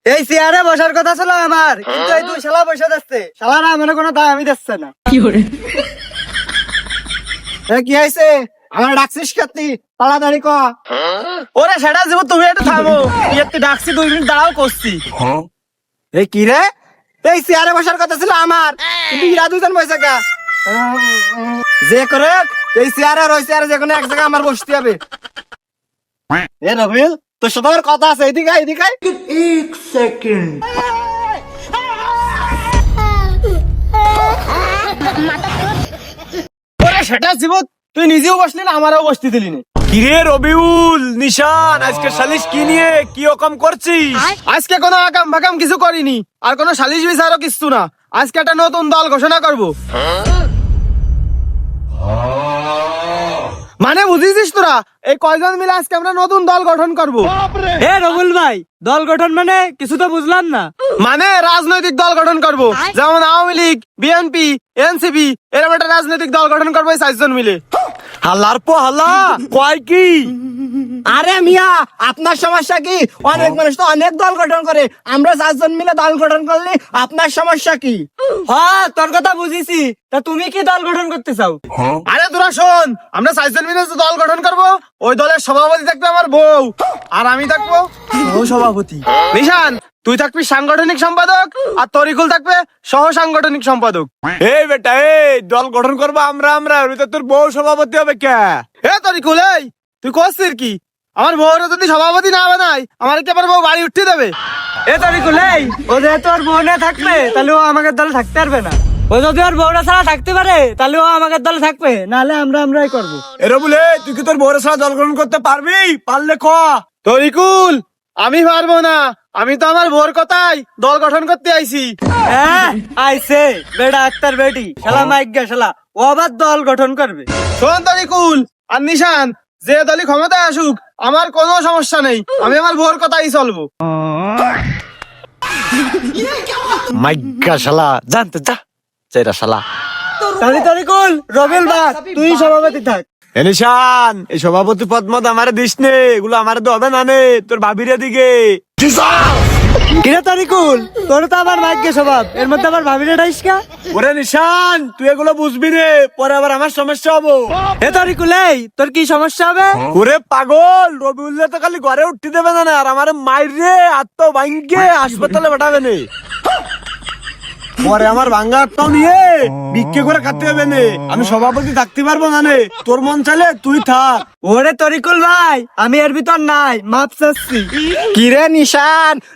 এই চেয়ারে বসার কথা ছিল আমার, কিন্তু এই দুই শালা বসে যাচ্ছে। শালারা আমার কোনো দাম আমি দিচ্ছে না। কি হয়েছে? আমার ডাকছিস কাতি, তাড়াতাড়ি ক। ওরে সেটা যাব, তুমি একটু থামো। তুই ডাকছি 2 মিনিট দাঁড়াও করছি। এই কি রে? এই চেয়ারে বসার কথা ছিল আমার, কিন্তু ইরা দুজন বসে কা। যে করে এই চেয়ারে আর ওই চেয়ারে যে কোনো এক জায়গায় আমার বসতে হবে। এ রবিল, তোর সাথে আমার কথা আছে, এদিকে আয়, এদিকে আয়। 1 সেকেন্ড। ওরে সেটা জীবন, তুই নিজেও বসলি না, আমারও বসতে দিলি না। কিরে রবিউল, নিশান, আজকে সালিশ কি নিয়ে কি রকম করছিস? আজকে কোনো আকাম বাকাম কিছু করিনি, আর কোনো সালিশ বিচারও কিছু না। আজকে একটা নতুন দল ঘোষণা করব। মানে বুঝিস তোরা, এই কয়জন মিলে আজকে আমরা নতুন দল গঠন করব। এ রবিউল ভাই, দল গঠন মানে কিছু তো বুঝলাম না। মানে রাজনৈতিক দল গঠন করব, যেমন আওয়ামী লীগ, বিএনপি, এনসিপি, এরকম একটা রাজনৈতিক দল গঠন করবো 4 জন মিলে। হাল্লার পো হাল্লা, কয় কি? আরে মিয়া, আপনার সমস্যা কি? অনেক মানুষ তো অনেক দল গঠন করে, আমরা 4 জন মিলে দল গঠন করলে আপনার সমস্যা কি? হ্যাঁ, তোর কথা বুঝিছি। তা তুমি কি দল গঠন করতে চাও? আরে তোরা শোন, আমরা 4 জন মিলে যে দল গঠন করব, ওই দলের সভাপতি থাকবে আমার বউ, আর আমি থাকবো সভাপতি। নিশান, তুই থাকবি সাংগঠনিক সম্পাদক, আর তরিকুল থাকবে সহ সাংগঠনিক সম্পাদক। এই বেটা, এই দল গঠন করবো আমরা ওই তো তোর বউ সভাপতি হবে কে? এ তরিকুল, এই তুই করছিস কি? আমার বউর যদি সভাপতি না বানাই, আমার কি আমার বউ বাড়ি উঠতে দেবে? এ তরিকুল, এই ও যেহেতু ওর বউ না থাকবে, তাহলে ও আমাদের দলে থাকতে পারবে না। ও যদি ওর বউরা ছাড়া থাকতে পারে, তাহলে ও আমাদের দলে থাকবে, নাহলে আমরাই করবো। এরা বলে, তুই কি তোর বউরা ছাড়া দল গঠন করতে পারবি? পারলে ক। তরিকুল, আমি পারবো না, আমি তো আমার বউর কথাই দল গঠন করতে আইছি। হ্যাঁ, আইছে বেটা আক্তার বেটি, শালা মাইগ্যা শালা, ও আবার দল গঠন করবে। শোন তরিকুল আর নিশান, যে দলই ক্ষমতায় আসুক আমার কোনো সমস্যা নেই, আমি আমার বউর কথাই চলবো। মাইগ্যা শালা, জানতে যা চেরা শালা। তাহলে তরিকুল, রবিল বাদ, তুই সভাপতি থাক। নিশান, এই সভাপতি পদ মত আমারে দিস নে, এগুলো আমারে তো হবে না নে, তোর ভাবির দিকে। কিরে তরিকুল, তোর তো আমার ভাগ্য স্বভাব, এর মধ্যে আবার ভাবি রে ডাইসকা। ওরে নিশান, তুই এগুলো বুঝবি রে, পরে আবার আমার সমস্যা হবো। এ তরিকুল, এই তোর কি সমস্যা হবে? ওরে পাগল, রবিউল্লাহ তো খালি ঘরে উঠতে দেবে না, আর আমার মাইর রে আত্ম ভাঙ্গে হাসপাতালে পাঠাবে নে। পরে আমার ভাঙ্গা আত্মাও নিয়ে বিক্রি করে খাতে হবে নে, আমি সভাপতি থাকতে পারবো না নে, তোর মন চাইলে তুই থাক। ওরে তরিকুল ভাই, আমি এর ভিতর নাই, মাপ চাচ্ছি। কিরে নিশান,